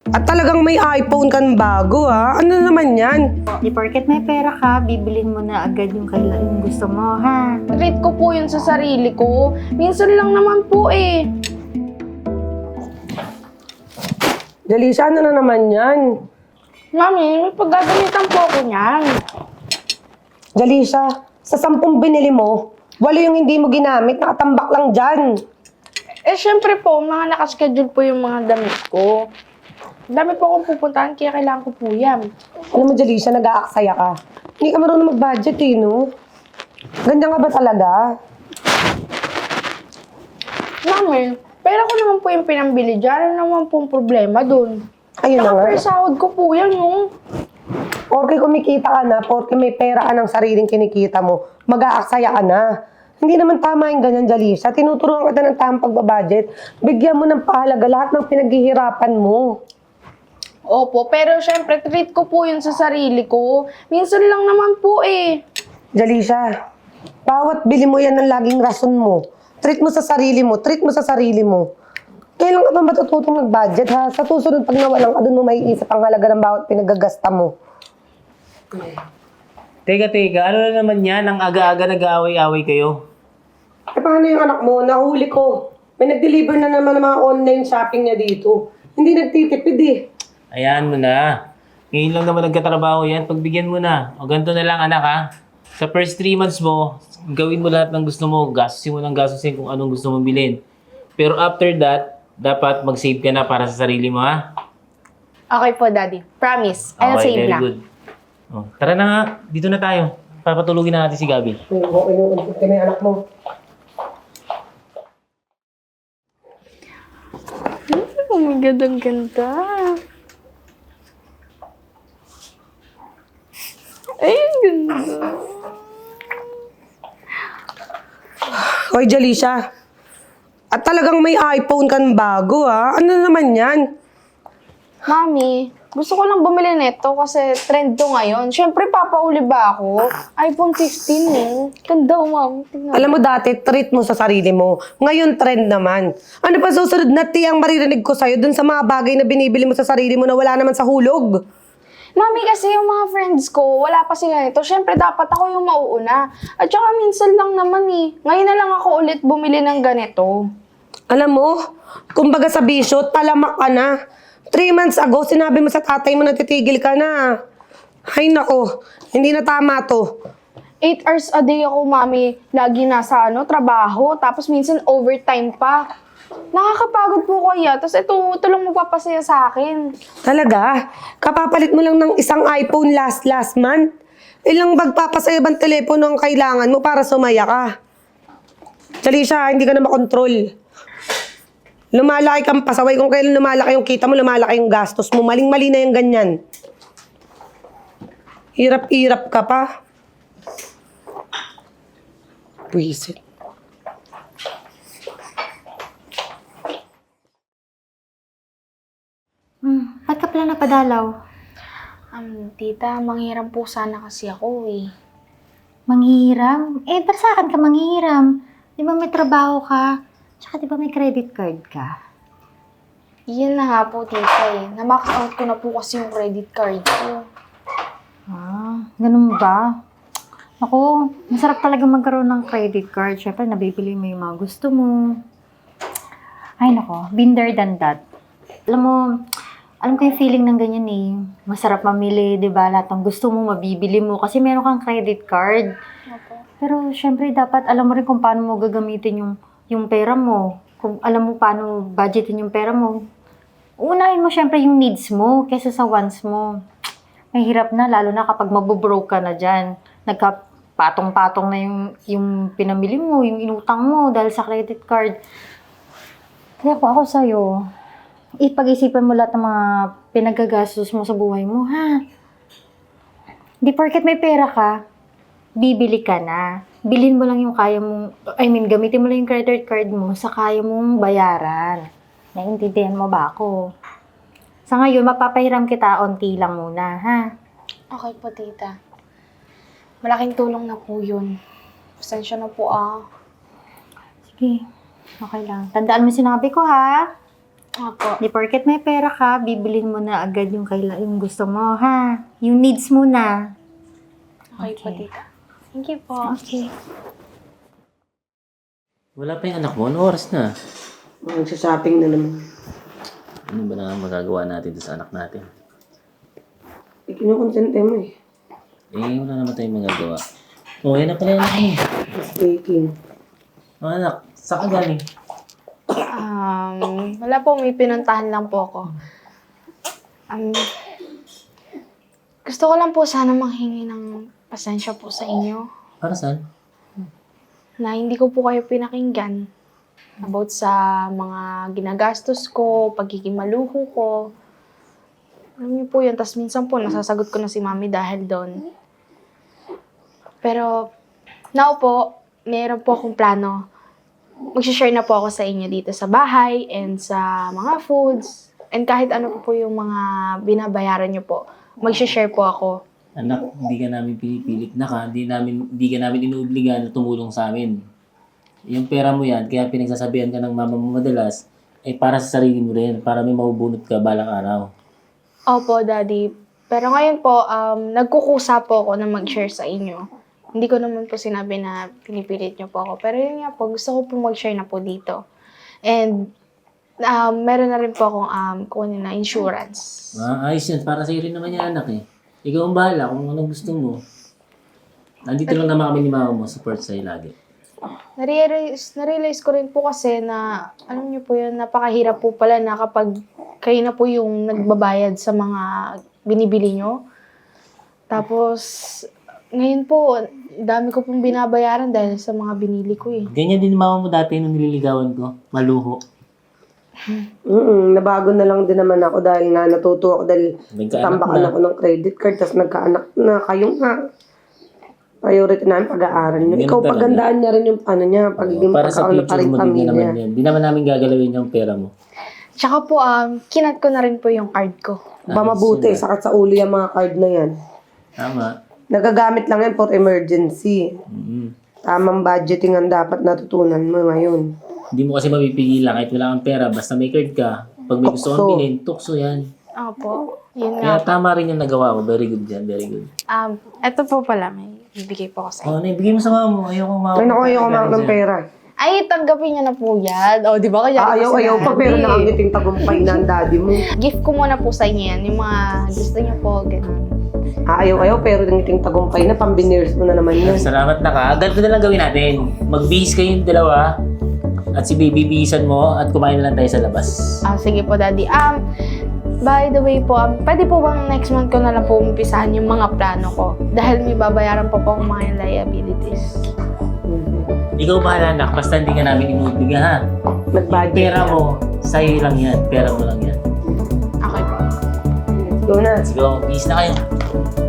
At talagang may iPhone kan bago ha? Ano naman yan? Di porket may pera ka, bibilin mo na agad yung kailan gusto mo, ha? Treat ko po yun sa sarili ko. Minsan lang naman po eh. Jalisha, ano na naman yan? Mami, may paggagamitan po ako niyan. Jalisha, sa 10 binili mo, 8 yung hindi mo ginamit, nakatambak lang dyan. Eh, syempre po, mga nakaschedule po yung mga damit ko. Dami po akong pupuntahan, kaya kailangan ko po yan. Alam mo, Jalisha, nag-aaksaya ka. Hindi ka marunong mag-budget eh, no? Ganda nga ba talaga? Mami, pera ko naman po yung pinambili dyan. Ano naman pong problema dun? Ayun na nga. Per sahod ko po yan, no? Porke kumikita ka na, porke may pera ka ng sariling kinikita mo, mag-aaksaya ka na. Hindi naman tama yung ganyan, Jalisha. Tinuturuan kita ng tamang pagbabudget. Bigyan mo ng pahalaga lahat ng pinaghihirapan mo. Opo, pero syempre, treat ko po yun sa sarili ko. Minsan lang naman po eh. Jalisha, bawat bili mo yan ng laging rason mo. Treat mo sa sarili mo, treat mo sa sarili mo. Kailan ka ba matututong mag-budget, ha? Sa susunod, pag nawalan ka, doon mo maiisip ang halaga ng bawat pinagagasta mo. Teka, ano na naman yan? Ang aga-aga nag-aaway-aaway kayo. Eh, paano yung anak mo? Nahuli ko. May nag-deliver na naman ng mga online shopping niya dito. Hindi nagtitipid eh. Ayan mo na. Ngayon lang naman nagkatrabaho yan. Pagbigyan mo na. O ganito na lang anak ha. Sa first 3 months mo, gawin mo lahat ng gusto mo. Gastusin mo ng gastusin kung anong gusto mong bilhin. Pero after that, dapat mag-save ka na para sa sarili mo ha. Okay po, Daddy. Promise. I'll Okay, save very na. good. O, tara na nga. Dito na tayo. Papatulugin na natin si Gabi. Okay yung unsip ka na yung anak mo. Oh my God, ang ganda. Ay, ang ganda. Hoy, Jalisha. At talagang may iPhone kan bago, ha? Ano naman yan? Mami, gusto ko lang bumili nito kasi trend to ngayon. Siyempre, papauli ba ako? iPhone 15 eh. Ganda, Mami. Tingnan. Alam mo dati, treat mo sa sarili mo. Ngayon, trend naman. Ano pa susunod na tiyang maririnig ko sa'yo dun sa mga bagay na binibili mo sa sarili mo na wala naman sa hulog? Mami, kasi yung mga friends ko, wala pa sila nito. Siyempre, dapat ako yung mauuna. At saka minsan lang naman eh. Ngayon na lang ako ulit bumili ng ganito. Alam mo, kumbaga sa bisyo, talamak ka na. 3 months ago, sinabi mo sa tatay mo na titigil ka na. Ay nako, hindi na tama to. 8 hours a day ako, Mami. Lagi nasa trabaho. Tapos minsan overtime pa. Nakakapagod po kaya. Tapos ito lang magpapasaya sa akin. Talaga? Kapapalit mo lang ng isang iPhone last month? Ilang magpapasaya bang telepono ang kailangan mo para sumaya ka? Jalisha, hindi ka na makontrol. Lumalaki kang pasaway. Kung kailan lumalaki yung kita mo, lumalaki yung gastos mo. Maling-mali na yung ganyan. Hirap-hirap ka pa. Buisit. Ba't ka pala napadalaw? Tita, manghiram po sana kasi ako eh. Manghihiram? Eh, ba't sa akin ka manghihiram? Di ba may trabaho ka? Tsaka di ba may credit card ka? Yan na nga po, tita eh. Na-max out ko na po kasi yung credit card ko. Ganun ba? Ako, masarap talaga magkaroon ng credit card. Siyempre, nabibili mo yung mga gusto mo. Ay, nako, been there than that. Alam ko yung feeling ng ganyan eh. Masarap mamili, di ba? Lahat ng gusto mo, mabibili mo. Kasi meron kang credit card. Opo. Pero, syempre, dapat alam mo rin kung paano mo gagamitin yung pera mo. Kung alam mo paano budgetin yung pera mo. Unahin mo syempre yung needs mo kaysa sa wants mo. Mahirap na, lalo na kapag mabubroke ka na dyan. Nagkapatong-patong na yung pinamili mo, yung inutang mo dahil sa credit card. Kaya ako sa'yo, ipag-isipan mo lahat ng mga pinagagastos mo sa buhay mo, ha? Di porket may pera ka, bibili ka na. Bilhin mo lang yung kaya mong, gamitin mo lang yung credit card mo sa kaya mong bayaran. Naiintindihan mo ba ako? Sa ngayon, mapapahiram kita, onti lang muna, ha? Okay po, tita. Malaking tulong na po yun. Pasensya na po ah. Sige, okay lang. Tandaan mo sinabi ko, ha? Opo. Di porket may pera ka, bibilin mo na agad yung, yung gusto mo, ha? Yung needs mo na. Okay po, Okay. tita. Thank you po. Okay. Wala pa yung anak mo? Ano oras na? Nagsha-shopping na naman. Ano ba na magagawa natin sa anak natin? Kinukonsente mo eh. Wala naman tayong magagawa. Oh, yan na pala yung anak mo. Just baking. Oh, anak, saan ka galing? Wala po, may pinuntahan lang po ako. Gusto ko lang po sana manghingi ng pasensya po sa inyo Para saan? na hindi ko po kayo pinakinggan about sa mga ginagastos ko, pagiging maluho ko. Alam niyo po yun, tas minsan po nasasagot ko na si mami dahil doon. Pero, now po, meron po akong plano. Mag-share na po ako sa inyo dito sa bahay and sa mga foods. And kahit ano po yung mga binabayaran niyo po, mag-share po ako. Anak, hindi ka namin pinipilit na ka. Hindi ka namin inuobligan na tumulong sa amin. Yung pera mo yan, kaya pinagsasabihan ka ng mama mo madalas, ay para sa sarili mo rin, para may mabubunot ka balang araw. Opo, Daddy. Pero ngayon po, nagkukusa po ako na mag-share sa inyo. Hindi ko naman po sinabi na pinipilit niyo po ako. Pero yun nga po, gusto ko po mag-share na po dito. And meron na rin po akong kunin na insurance. Ayos yan, para sa'yo rin naman yan, anak eh. Ikaw ang bahala kung anong gusto mo. Nandito lang naman kami ni mama mo, support sa'yo lagi. Na-realize ko rin po kasi na, alam niyo po yun, napakahirap po pala na kapag kayo na po yung nagbabayad sa mga binibili nyo. Tapos, ngayon po, dami ko pong binabayaran dahil sa mga binili ko eh. Ganyan din mama mo dati nung nililigawan ko, maluho. Nabago na lang din naman ako dahil nga natuto ako dahil Nagkaanak tambakan na. ako ng credit card tapos nagkaanak na kayo nga. Priority namin pag-aaral niyo. Ganun Ikaw talaga. pagandaan niya rin yung ano niya, pagiging Para sa pagkaano pa future rin mo, din pamilya. naman yan. Di naman namin gagalawin yung pera mo. Tsaka po, kinat ko na rin po yung card ko. Ba mabuti, sakat sa ulo yung mga card na yan. Tama. Nagagamit lang yan for emergency. Tamang budgeting ang dapat natutunan mo ngayon. Hindi mo kasi mapipigilan kahit wala kang pera. Basta may card ka. Pag may gusto kang Tukso. bilhin, tukso yan. Opo, yun nga. Kaya tama rin yung nagawa ko. Very good yan. Very good. Eto po pala, may ibigay po ako sa inyo. Oh, naibigay mo sa mama mo. Ayoko mama. Ay naku, ayaw kumakain ng pera. Ay, tanggapin niyo na po yan. O, di ba? Kaya Ayaw pa pero nakangiting tagumpay na ang daddy mo. Gift ko muna po sa inyo yan. Yung mga gusto niyo po, ganun. Ayaw pero nangiting tagumpay na pambiners mo na naman yun. Salamat na ka. Ganito na lang gawin natin. Magbihis kayong dalawa. At si baby bihisan mo. At kumain na lang tayo sa labas. Sige po, Daddy. By the way po, pwede po bang next month ko na lang po umpisahan yung mga plano ko? Dahil may babayaran pa po akong mga liabilities. Ikaw bahala anak. Basta hindi ka namin inuubliga ha. Nag-budget. Pera mo, sa'yo lang yan. Pera mo lang yan. Okay po. Let's go na. Let's go. Bihis na kayo.